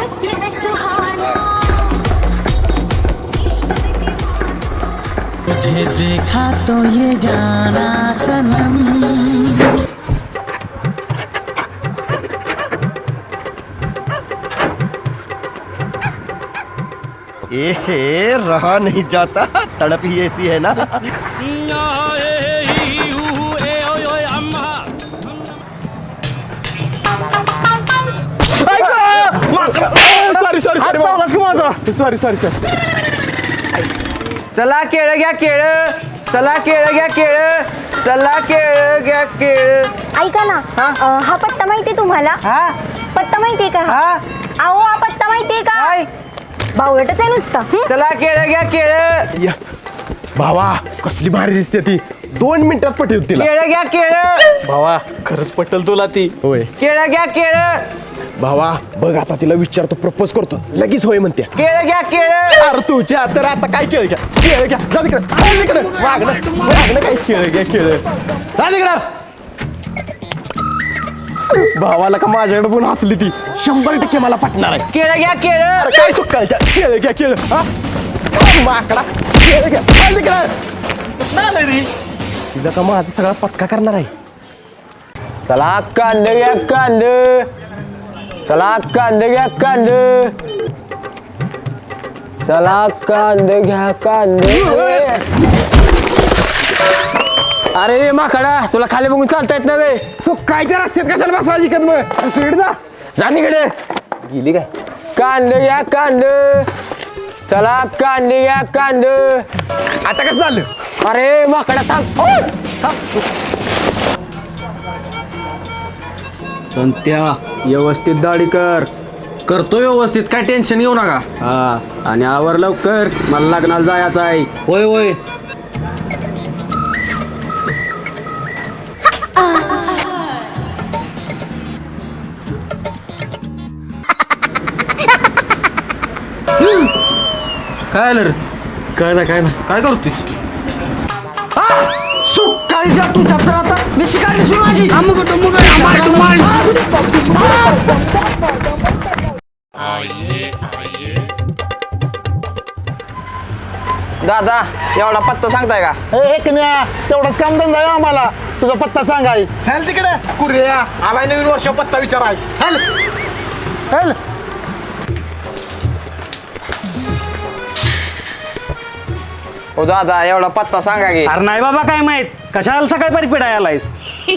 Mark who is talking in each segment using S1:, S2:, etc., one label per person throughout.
S1: तुझे देखा तो ये जाना सनम।
S2: रहा नहीं जाता, तड़प ही ऐसी है ना।
S3: सॉरी चला केळ घ्या केळ, चला केळ घ्या केळ, चला केळ घ्या केळ.
S4: ऐका ना, हा पत्ता माहितीये तुम्हाला?
S3: हा
S4: पत्ता माहितीये का?
S3: हा
S4: अहो हा पत्ता माहितीये का?
S3: काय
S4: बावळटच आहे नुसता.
S3: चला केळ घ्या केळ,
S5: भावा कसली भारी दिसते ती. 2 मिनिटात पटेल तिला.
S3: केळ घ्या केळ,
S5: भावा खरंच पटेल तुला ती. होय
S3: केळ घ्या केळ,
S5: भावा बघ आता तिला विचारतो, प्रपोज करतो, लगेच होय म्हणते.
S3: केळ घ्या केळ.
S5: अरे तुझ्या तर आता काय केळ घ्या केळ घ्या, जा तिकडे वागणं काय केळ घ्या केळ, जा तिकडं. भावाला का माझ्याकडे पण हसली ती, 100% मला पटणार आहे.
S3: केळ घ्या केळ.
S5: अरे काय सुकायच्या केळ घ्या केळ, हा माकडा केळ घ्या, जा तिकडं. तिला का माझा सगळा पचका करणार आहे.
S3: चला कांदे घ्या कांदे, चला कांदे घ्या कांदे, चला कांदे घ्या कांदे. अरे माकडा तुला खाली बघून चालता येत नव्हे.
S5: सुकायच्या रस्त्यात कशाला बसवायची कद मग, स्पीड जा.
S3: जा तिकडे.
S5: गेली काय.
S3: कांदे घ्या कांदे, चला कांदे घ्या कांदे.
S5: आता कसं झालं.
S3: अरे माकडा थांब.
S6: संत्या व्यवस्थित दाढी कर. करतो व्यवस्थित, काय टेन्शन घेऊ नका. हा आणि आवर लवकर, मला लग्नाला जायचं आहे. होय होय. काय आलं रे.
S5: काय ना
S6: काय करतोस.
S3: सुकाळीच्या तुझ्या तर आता मी शिकायची माझी. दादा एवढा पत्ता सांगताय का?
S7: तेवढाच काम धंदा आहे आम्हाला, तुझा पत्ता सांगाय.
S5: चल तिकडे कुर्या, आलाय नवीन वर्ष पत्ता विचाराय.
S7: चल.
S3: ओ दादा एवढा पत्ता सांगा की.
S6: अरे नाही बाबा काय माहित, कशाला सकाळी परिपीड आलायस.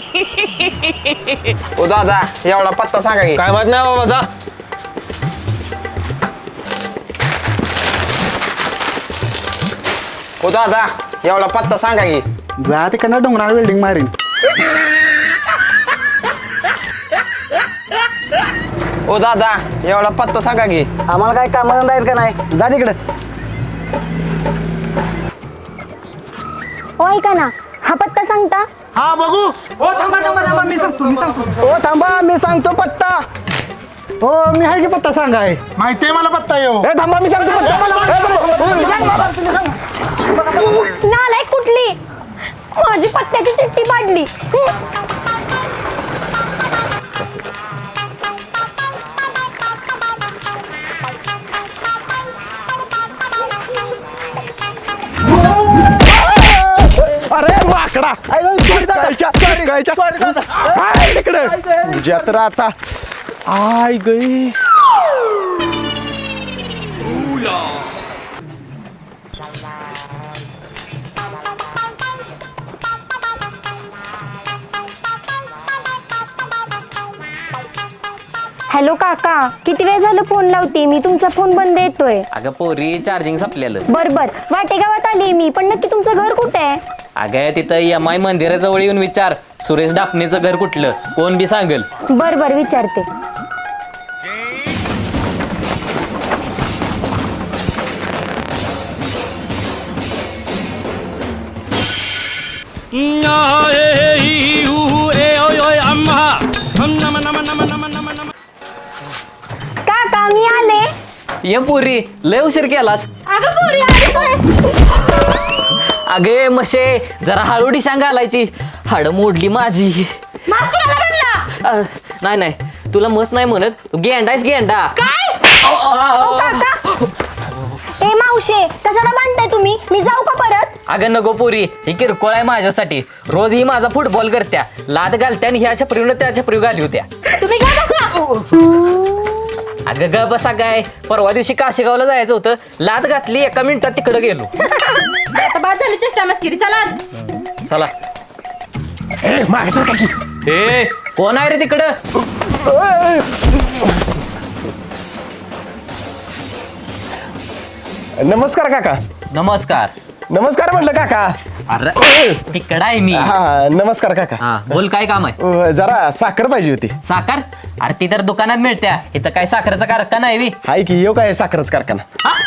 S3: ओ दादा एवढा पत्ता सांगा की.
S5: काय माहित नाही बाबा, जा.
S3: ओ दादा एवढा पत्ता सांगा की.
S7: जा तिकडनं डोंगरावर बिल्डिंग मारीन.
S3: ओ दादा एवढा पत्ता सांगा की.
S7: आम्हाला काय काम धंदा आहेत का नाही, जा तिकडं.
S4: हो ऐका ना, हा पत्ता सांगता?
S7: हा बघू.
S3: ओ थांबा मी सांगतो पत्ता.
S7: हो मी आहे की पत्ता सांगाय, माहितीये मला पत्ता येऊ.
S3: थांबा मी सांगतो
S4: नालायक कुठली, माझी पत्त्याची चिठ्ठी पाडली.
S5: अरे माकडा तिकडे तुझ्या तर आता आय गई.
S4: हॅलो काका, किती वेळ झालं फोन लावते मी, तुमचा फोन बंद येतोय.
S8: अगं पोरी चार्जिंग संपलेलं.
S4: बर वाटेगावात आली मी, पण नक्की तुमचं घर कुठे आहे?
S8: अगं तिथं MI मंदिराजवळ येऊन विचार, सुरेश डापणेचं घर कुठलं, कोण बी सांगेल.
S4: बर विचारते. काका मी आले.
S8: ये पोरी लय उशीर केलास.
S4: अगं पोरी
S8: अगे मशे जरा हळूडी सांग घालायची, हाड मोडली माझी. नाही तुला मस नाही म्हणत, तू गेंडायस गेंडा.
S4: काय ए मावशे कशाला बांधताय तुम्ही? मी जाऊ का परत?
S8: अगं नको पोरी, ही किरकोळ आहे माझ्यासाठी. रोज ही माझा फुटबॉल करत्या, लाद घालत्या आणि ह्या छपरीनं त्या छपरी घाली होत्या.
S4: तुम्ही काय बसा?
S8: अगं ग बसा काय, परवा दिवशी काशेगावला जायचं होतं, लाद घातली, 1 मिनिटात तिकडं गेलो.
S4: आता बाद झाली चेष्टा मस्किरी, चला.
S8: चला.
S5: ए मागे सरका की.
S8: ए कोण आहे रे तिकडं?
S5: नमस्कार काका.
S8: नमस्कार.
S5: नमस्कार म्हटलं काका.
S8: अरे तिकडं आहे मी.
S5: हा नमस्कार काका.
S8: हा बोल, काय काम आहे?
S5: जरा साखर पाहिजे होती.
S8: साखर? अरे ती तर दुकानात मिळत्या, इथं काय साखरेचा कारखाना आहे बी?
S5: हाय की येऊ काय साखरच कारखाना.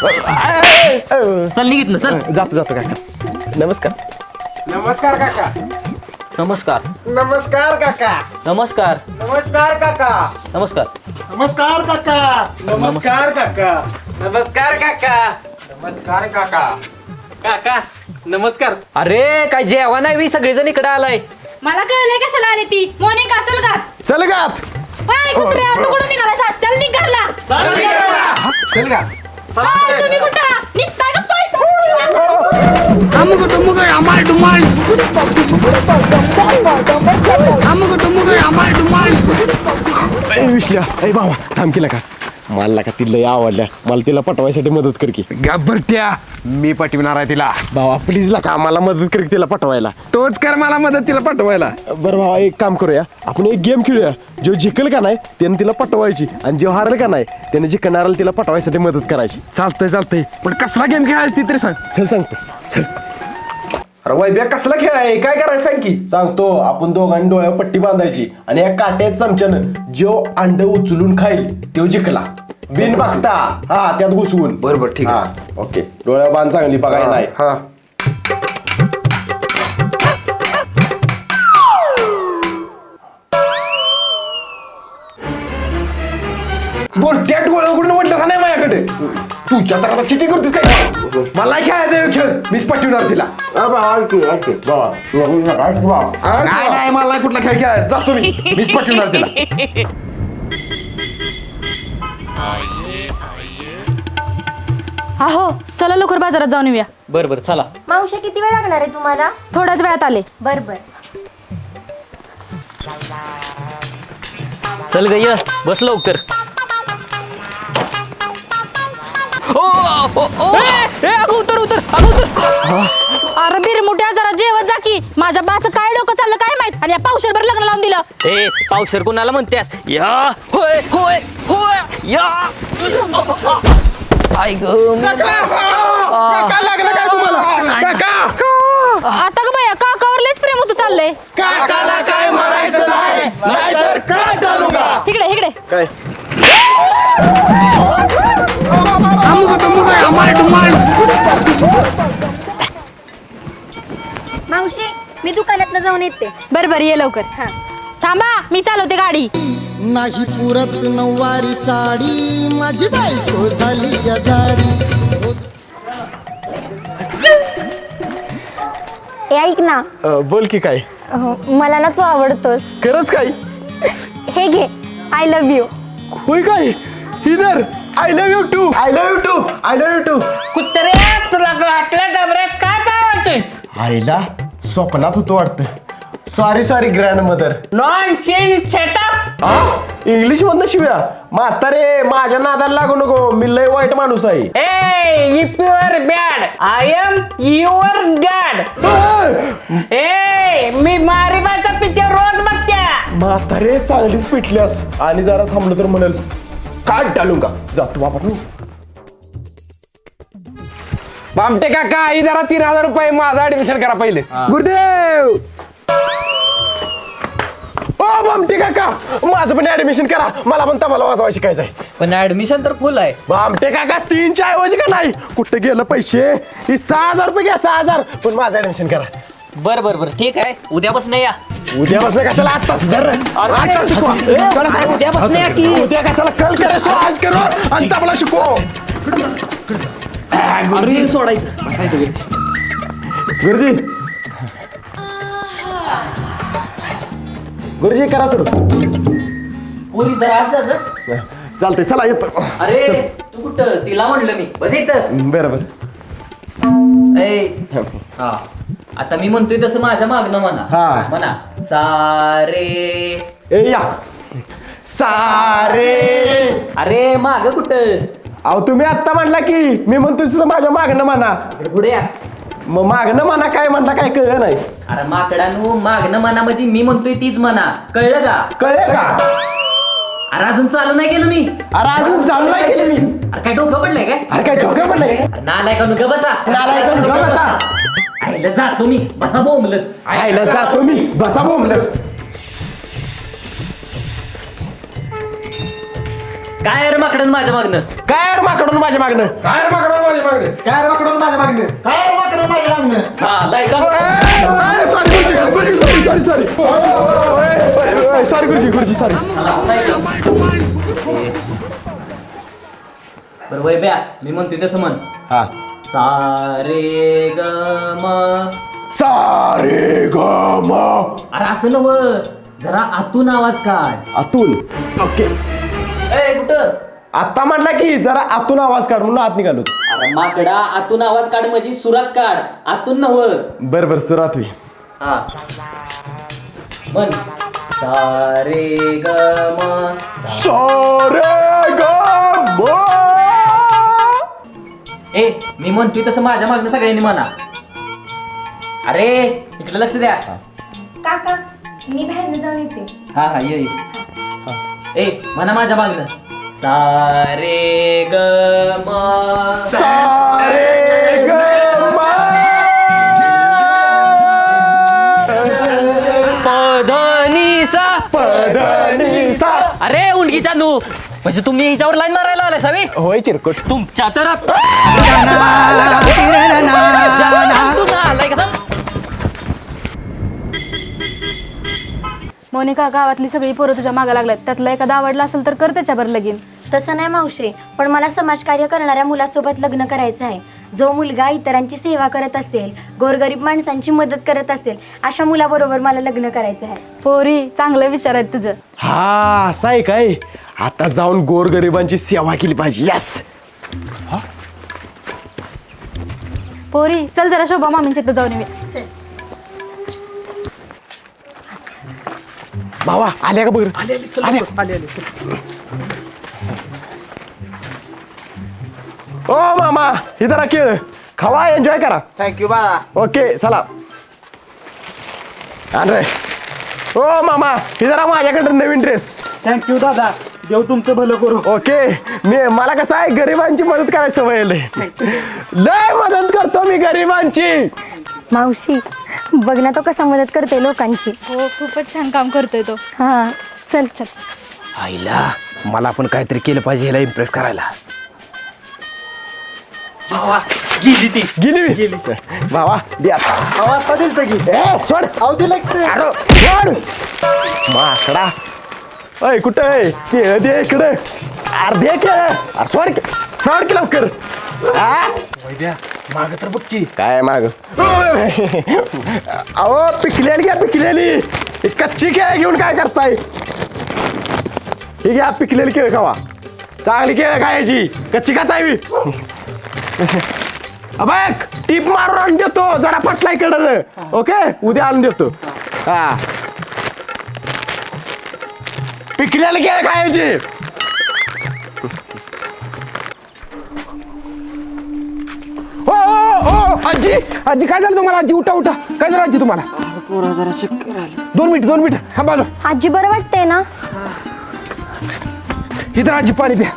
S8: चल निघित ना, चल.
S5: जातो काका. नमस्कार.
S3: नमस्कार काका.
S8: नमस्कार.
S3: नमस्कार काका.
S8: नमस्कार.
S3: नमस्कार काका.
S8: नमस्कार.
S7: नमस्कार काका.
S3: नमस्कार काका. नमस्कार काका. नमस्कार काका. काका नमस्कार.
S8: अरे काय जेवण आहे बी, सगळेजण इकडे आलाय.
S9: मला कळलंय कशाला आली ती. मोनिका चल घात.
S5: चल गात.
S9: हाय कुत्र्या, तू कुठं निघाला? चल निघ घरला.
S3: चल का.
S9: हाय, तुम्ही कुठं निघताय का पळताय?
S5: विसल्या ए बाबा थांब केला का. मला का तिला आवडल्या, मला तिला पटवायसाठी मदत कर की.
S3: घाबरट्या, मी पटविणार आहे तिला.
S5: भावा प्लीज ला का मला मदत कर की तिला पटवायला.
S3: तोच कर मला मदत तिला पटवायला.
S5: बरं भावा एक काम करूया, आपण एक गेम खेळूया. जो जिंकल का नाही त्याने तिला पटवायची, आणि जो हारल का नाही त्याने जिंकणाऱ्याला तिला पटवायसाठी मदत करायची.
S3: चालतंय पण कसला गेम खेळायची ती तरी सांग.
S5: चल सांगतो. चल
S3: अरे वैभ्या कसला खेळ आहे, काय करायचं सांग की.
S5: सांगतो. आपण दोघांनी डोळ्यावर पट्टी बांधायची आणि या काट्यात चमच्यानं जो अंड उचलून खाईल तो जिंकला. बिन बघता हा त्यात घुसवून.
S3: बरोबर, ठीक आहे.
S5: हा, ओके. डोळ्यावर बांध चांगली बघायला नाही.
S3: हा. बोलत्या डोळ्या उघडून म्हटलं का नाही माझ्याकडे. तुझ्या तर आता चिटी करतेस काय. मला खेळायचा खेळ, मीच पटविणार तिला. काय नाही, मला नाही कुठला खेळ खेळायचा. जातो मीच पटविणार तिला.
S9: हो चला लवकर बाजारात जाऊन येऊया.
S8: बर बर चला.
S4: मावशे किती वेळ लागणार आहे तुम्हाला?
S9: थोड्याच वेळात आले.
S4: बर बर.
S8: चल ग ये, बस लवकर. ओ, ओ, ओ, ए, अगं उतर उतर, अगं उतर.
S9: अरे बिरमुट्या जरा जेवत जा की. माझ्या बाचं काय डोकं चाललं काय माहित, आणि या पावशेरभर लग्न लावून दिलं.
S8: ए पावशेर कुणाला म्हणतेस? या होय होय होय या. आई ग
S5: काय लागलं काय तुम्हाला? काका
S9: आता ग बया काकावर लयच प्रेम होतं चाललंय.
S5: काकाला काय म्हणायचं नाही, नाहीतर काय टाळू का.
S9: इकडे इकडे.
S5: काय
S4: मावशे मी दुकानात जाऊन येते.
S9: बर ये लवकर. थांबा मी चालवते गाडी.
S1: नाही पुरत नऊवारी साडी, माझी बायको झाली या जाडी.
S4: ए ऐक ना.
S5: बोल की काय.
S4: मला ना तू आवडतोस.
S5: खरंच काय.
S4: हे घे, आय लव्ह यू.
S5: होय काय. इधर I love you too. I love you too. I love you too.
S10: कुत्र्या तुला गाठल्या डबऱ्यात काय चावतेस?
S5: आईला स्वप्नात होतो वाटतं. Sorry grandmother.
S10: Nonsense setup.
S5: English मधनं शिव्या. म्हातारे माझ्या नादाला लागू नको, मी लय वाईट माणूस आहे.
S10: ए if you're bad I am your dad. ए मी मारिबाचा पिक्चर रोज बघत्या.
S5: म्हातारे चांगलीच पिटल्यास, आणि जरा थांबलो तर म्हणेल काय टाळू का. जातो बाबा तू.
S3: बामटे काका ही जरा 3000 रुपये माझं ऍडमिशन करा पहिले. गुरुदेव.
S5: ओ बामटे काका माझं पण ऍडमिशन करा, मला पण तबला वाजवा शिकायचंय.
S8: पण ऍडमिशन तर फुल आहे.
S5: बामटे काका 3च्या ऐवजी का नाही, कुठे गेलं पैसे. ही 6000 रुपये घ्या, 6000. पण माझं ऍडमिशन करा.
S8: बर बर बर ठीक आहे, उद्यापासून या.
S5: उद्यापासून कशाला आत्ताच धर. आजचा शिकवा.
S8: उद्यापासून या की.
S5: उद्या कशाला कल करे सो आज करो आणि तबला शिकव.
S8: अरे सोडायचं.
S5: गुरुजी गुरुजी करा सुरू.
S8: पुरी जरा आज जा गं.
S5: चालतंय चला येतो
S8: अरे तू कुठं तिला म्हणलं मी बस इथं
S5: बरं बरं
S8: ए हा आता मी म्हणतोय तसं माझ्या मागणं म्हणा
S5: हा.
S8: म्हणा सारे
S5: ए या सारे
S8: अरे माग कुठं
S5: अहो तुम्ही आत्ता म्हणला की मी म्हणतो तसं माझ्या मागणं म्हणा
S8: पुढे या
S5: मग मागणं म्हणा काय म्हणता काय कळलं नाही
S8: अरे माकडानू मागणं म्हणा म्हणजे मी म्हणतोय तीच म्हणा कळलं का
S5: कळलं का
S8: अरे अजून चालू नाही केलं मी
S5: अरे अजून चालू नाही केलं मी
S8: अरे काय डोकं पडलंय काय
S5: अरे काय डोक्या पडलंय
S8: अरे नालाय का नुका बसा
S5: नालायक नुका बसा
S8: आईला जातो मी बसा बोंबलत
S5: आईला जातो मी बसा बोंबलं
S8: काय अरे माकडन माझ्या मागणं
S5: काय रे माकडून माझ्या मागणं
S3: काय रे माकडं माझ्या मागणे
S7: काय माकडून माझ्या मागणे काय माकडून माझ्या मागणे
S8: हा लाय का
S5: सॉरी गुरुजी सॉरी सॉरी गुरुजी सॉरी
S8: चला, बसा इथं. बरं वय ब्या मी म्हणतोय तसं म्हण
S5: हा
S8: सारे ग म
S5: सारे ग म
S8: अरे असं नव जरा आतून आवाज काढ
S5: आतून ओके
S8: ए कुठं
S5: आता म्हटलं की जरा आतून आवाज काढ म्हणून आत निघालो
S8: अरे माकडा आतून आवाज काढ म्हणजे सुरात काढ आतून नव
S5: बर बर सुरात होई
S8: हा म्हण सारे ग म
S5: सारे ग म
S8: ए मी म्हणतोय तसं माझ्या मागणं सगळ्यांनी म्हणा अरे इकडे लक्ष द्या
S4: काका मी बाहेर जाऊन येते
S8: हा हा ये ए म्हणा माझ्या मागणं सारे ग म
S5: सारे ग म
S8: पधनीसा
S5: पधनीसा
S8: अरे उंडकीच्या नू म्हणजे तुम्ही हिच्यावर लाईन मारायला आलाय सावी
S5: होय चिरकुट
S8: तुमच्या तर
S9: मोनिका गावातली सगळी पोरं तुझ्या मागे लागल्यात त्यातला एखादा आवडला असेल तर कर त्याच्यावर लगीन.
S4: तसं नाही मावशे पण मला समाजकार्य करणाऱ्या मुलासोबत लग्न करायचं आहे जो मुलगा इतरांची सेवा करत असेल गोरगरीब माणसांची मदत करत असेल अशा मुलाबरोबर मला लग्न करायचं आहे.
S9: पोरी चांगलं विचार आहेत तुझं.
S5: हा असं आहे काय आता जाऊन गोरगरिबांची सेवा केली पाहिजे यस
S9: पोरी चल जरा शोभा मामींच्या इथं जाऊन ये.
S5: भावा आल्या का बघ ओ मामा हे जरा खेळ खावा एन्जॉय करा
S7: थँक्यू बा
S5: ओके चला अरे ओ मामा हे जरा माझ्याकडे नवीन ड्रेस
S7: थँक्यू दादा देव तुमचं भलं करू
S5: ओके मला कसं आहे गरिबांची मदत करायची सवय आहे लय मदत करतो मी गरिबांची
S4: मावशी बघ ना तो कसा मदत करते लोकांची.
S9: हो खूपच छान काम करतोय तो.
S4: हा चल चल
S3: आईला मला पण काहीतरी केलं पाहिजे ह्याला इम्प्रेस करायला
S5: गेली मी भावा दे आता
S7: आता दिलं की
S5: ए सोड
S7: अहो दिलं
S5: अरे सोड माकडा अय कुठं आहे केळ दे इकडे अर्धे केळ अरे सोड की लवकर
S3: माग तर बघ की
S5: काय माग अहो पिकलेली घ्या पिकलेली ही कच्ची केळ घेऊन काय करताय ही घ्या पिकलेली केळ खावा चांगली केळ खायची कच्ची खाताय मी बघ टीप मारून आणून देतो जरा पटला इकडं ओके उद्या आणून देतो हा पिकलेली केळ खायची
S3: हो हो आजी आजी काय झालं तुम्हाला आजी उठा उठा काय झालं आजी तुम्हाला
S10: पोरा जरा चक्कर आलं.
S3: 2 मिनिट हा बाजू
S4: आजी बरं वाटतंय ना.
S3: इथं आजी पाणी प्या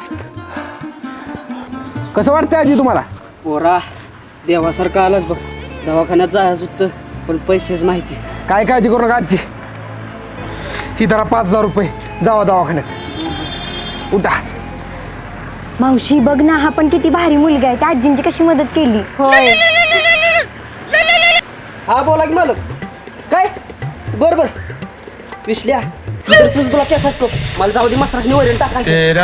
S3: कसं वाटतंय आजी तुम्हाला
S10: पोरा देवासारखं आलाच बघ दवाखान्यात जायचं होतं पण पैसेच माहिती.
S3: काय काळजी करू नका आजी ही धरा 5,000 रुपये जावा दवाखान्यात उठा
S4: मावशी बघ ना हा पण किती भारी मुलगा आहे त्या आजींची कशी मदत केली.
S9: होय
S10: हा बोला की मालक काय बर बर विसल्या तुझ तुला कॅस असतो मला जाऊ दे मसराशनी वरील टाकायचं.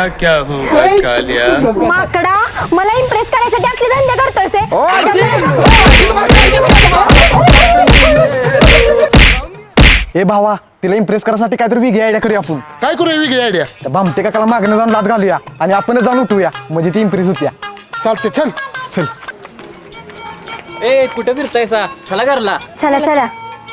S4: माकडा मला इम्प्रेस करायसाठी असले धंदे करतोस हे?
S3: ओ आजी
S5: ए भावा तिला इम्प्रेस करायसाठी काहीतरी वेगळी आयडिया करूया आपण.
S7: काय करू वेगळी आयडिया?
S5: त्या भामटे काकाला मागणं जाऊन लात घालूया आणि आपणच जाऊन उठूया म्हणजे ती इम्प्रेस होत्या.
S7: चालते चल.
S5: चल.
S8: ए कुठे फिरतायसा चला घरला.
S4: चला चला.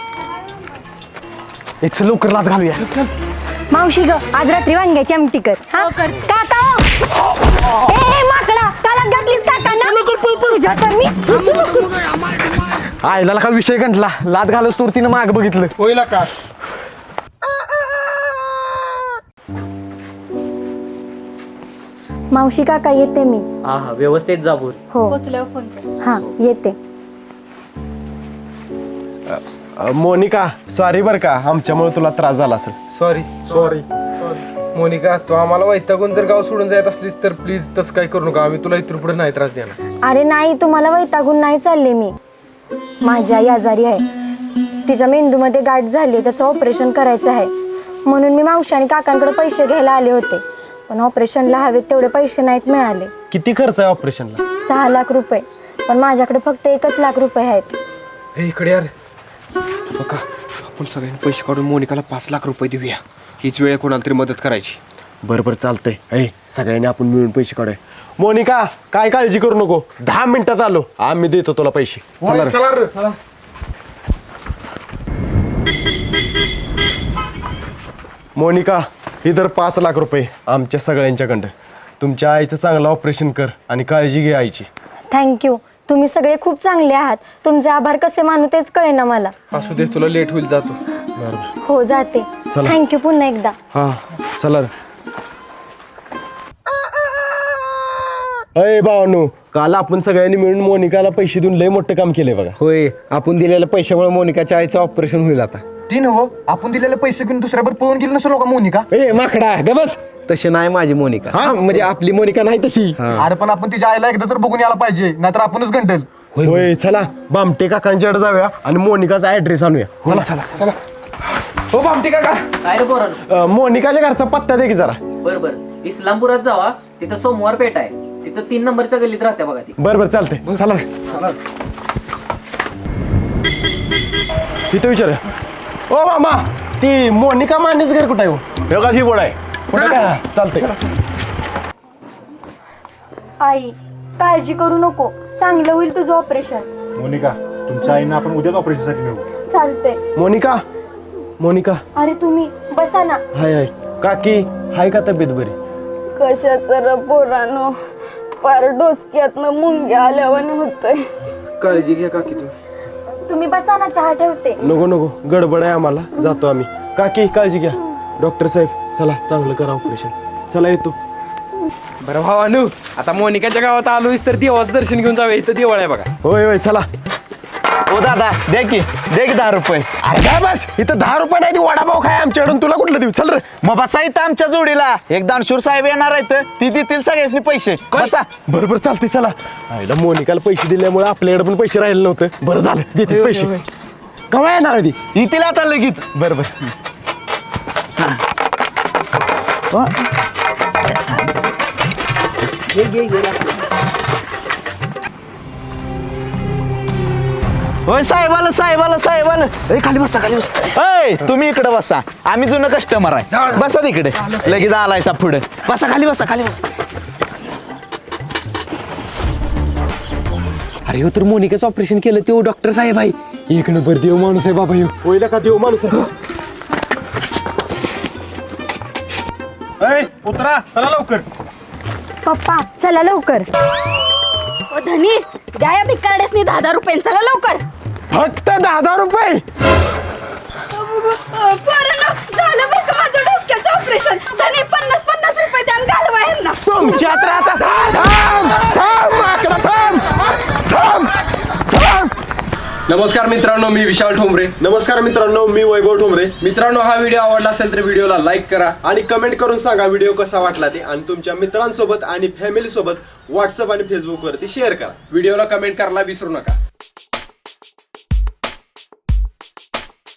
S5: एक चल लवकर लात घालूया.
S4: मावशी ग आज रात्री वांग्याची आमटी कर. हा काका ए माकडा काला घातलीस काकांना तुझ्या तर मी
S5: आईला का विषय गंटला. लात घालच तोर तिनं माग बघितलं.
S7: होईल का?
S4: मावशी काका येते मी.
S8: हा हा व्यवस्थित जाबूर.
S4: हो
S9: पोचल्यावर फोन कर.
S4: हा येते.
S5: मोनिका सॉरी बरं का आमच्यामुळे तुला त्रास झाला असेल.
S3: सॉरी मोनिका, तू आम्हाला वैतागून जर गाव सोडून जात असलीस तर प्लीज तसं काय करू नका. आम्ही तुला इथून पुढे नाही त्रास देणार.
S4: अरे नाही तुम्हाला वैतागून नाही चालले मी. माझी आई आजारी आहे. तिच्या मेंदूमध्ये गाठ झाली त्याचं ऑपरेशन करायचं आहे म्हणून मी मावशी आणि काकांकडे पैसे घ्यायला आले होते. पण ऑपरेशनला हवेत तेवढे पैसे नाहीत मिळाले.
S5: किती खर्च आहे ऑपरेशनला?
S4: 6 लाख रुपये. पण माझ्याकडे फक्त 1 लाख रुपये आहेत.
S3: हे इकडे यार बघा, आपण सगळ्यांनी पैसे काढून मोनिकाला 5 लाख रुपये देऊया. हीच वेळ कोणाला तरी मदत करायची.
S5: बरोबर चालतंय. सगळ्यांनी आपण मिळून पैसे काढूया. मोनिका काय काळजी करू नको. 10 मिनिटात आलो. आम्ही देतो तुला पैसे. चला रे.
S3: चला रे.
S5: मोनिका इधर 5 लाख रुपये आमच्या सगळ्यांच्याकडं. तुमच्या आईचं चांगलं ऑपरेशन कर आणि काळजी घे आईची.
S4: थँक्यू. तुम्ही सगळे खूप चांगले आहात. तुमचे आभार कसे मानू तेच कळेना मला.
S3: असू दे, तुला लेट होईल, जातो.
S4: हो जाते.
S5: चला.
S4: थँक्यू पुन्हा एकदा.
S5: हा चला रे. अय भावानू, काल आपण सगळ्यांनी मिळून मोनिकाला पैसे देऊन लय मोठं काम केलंय बघा.
S3: होय, आपण दिलेल्या पैशामुळे मोनिकाच्या आईचं ऑपरेशन होईल आता.
S5: ती नव आपण दिलेले पैसे घेऊन दुसऱ्यावर पळून गेली नसलो का मोनिका?
S3: ए माकडा ग बस. तशी नाही माझी मोनिका. हा म्हणजे आपली मोनिका नाही तशी.
S5: अरे पण आपण तिच्या आईला एकदा तर बघून यायला पाहिजे, नाहीतर आपणच गंटल. होय चला बामटे काकांच्याकडे जाऊया आणि मोनिकाचा ऍड्रेस आणूया. चला चला चला.
S3: हो बामटी काका,
S8: काय रे पोरांनो.
S5: मोनिकाच्या घरचा पत्ता दे की जरा.
S8: बर इस्लामपुरात जावा तिथं सोमवार पेठ आहे. तिथं 3 नंबरच्या गल्लीत राहत्या बघा ती.
S5: बरं चालतंय. चला रे. तिथं विचार. ओ मामा ती मोनिका मानेच घर कुठं आहे हो?
S7: ही बोर्ड आहे.
S5: कुठं काय? चालतंय.
S4: आई काळजी करू नको. चांगलं होईल तुझं ऑपरेशन.
S7: मोनिका तुमच्या आईनं आपण उद्याच ऑपरेशनसाठी मिळू.
S4: चालतंय.
S5: मोनिका
S4: अरे तुम्ही बसा ना.
S5: हाय काकी हाय का तब्येत बरी?
S9: कशाचं र पोरानो, पार डोसक्यातनं मुंग्या आल्यावाने होतंय.
S3: काळजी घ्या काकी तू.
S4: तुम्ही बसा ना, चहा ठेवते.
S5: नको गडबड आहे आम्हाला, जातो आम्ही. काकी काळजी घ्या. डॉक्टर साहेब चला चांगलं करा ऑपरेशन. चला येतो.
S3: बरं भावानू, आता मोनिकाच्या गावात आलोयस तर देवाचं दर्शन घेऊन जाऊया. इथं देवळ आहे बघा.
S5: होय चला. ओ दादा दे की 10 रुपये. अरे काय बस इथं 10 रुपये नाही, ती वडापाव खाय आमच्याकडून. तुला कुठलं देऊ? चल रे.
S2: मग बसा इथं आमच्या जोडीला. एक दानशूर साहेब येणार आहेत, ती देतील सगळ्यांनी पैसे. बसा.
S5: बरोबर चालते. चला. आईला मोनिकाला पैसे दिल्यामुळे आपल्याकडे पण पैसे राहिले नव्हते. बरं झालं देते पैसे. केव्हा येणार आहे ती?
S2: येतील आता लगेच.
S5: बरोबर.
S2: होय साहेब आलं. खाली बसा. तुम्ही इकडे बसा. आम्ही जुनं कस्टमर आहे. बसा तिकडे. लगेच आलायसा पुढे. बसा खाली बसा.
S3: अरे हो तर मोनिकाचं ऑपरेशन केलं तो डॉक्टर साहेब आहे. एक नंबर देव माणूस आहे बाबा ह्यो.
S5: होईल का देऊ माणूस?
S7: उतरा चला लवकर.
S4: पप्पा चला लवकर.
S9: ओ धनी, द्या या भिकारड्यासनी 10 रुपये. चला लवकर.
S5: फक्त 10 रुपये.
S9: पोरांनो, झालं बरं का माझं डोसक्याचं ऑपरेशन. धनी 50 रुपये द्या आणि घालवा ह्यांना.
S5: तुमच्यात राहता. थांब माकडा, थांब.
S3: नमस्कार मित्रांनो, मी विशाल ठोंबरे.
S5: नमस्कार मित्रांनो, मी वैभव ठोंबरे.
S3: मित्रांनो, हा व्हिडिओ आवडला असेल तर व्हिडिओला लाईक करा
S5: आणि कमेंट करून सांगा व्हिडिओ कसा वाटला ते. आणि तुमच्या मित्रांसोबत आणि फॅमिली सोबत व्हॉट्सअप आणि फेसबुक वरती शेअर करा.
S3: व्हिडिओला कमेंट करायला विसरू नका.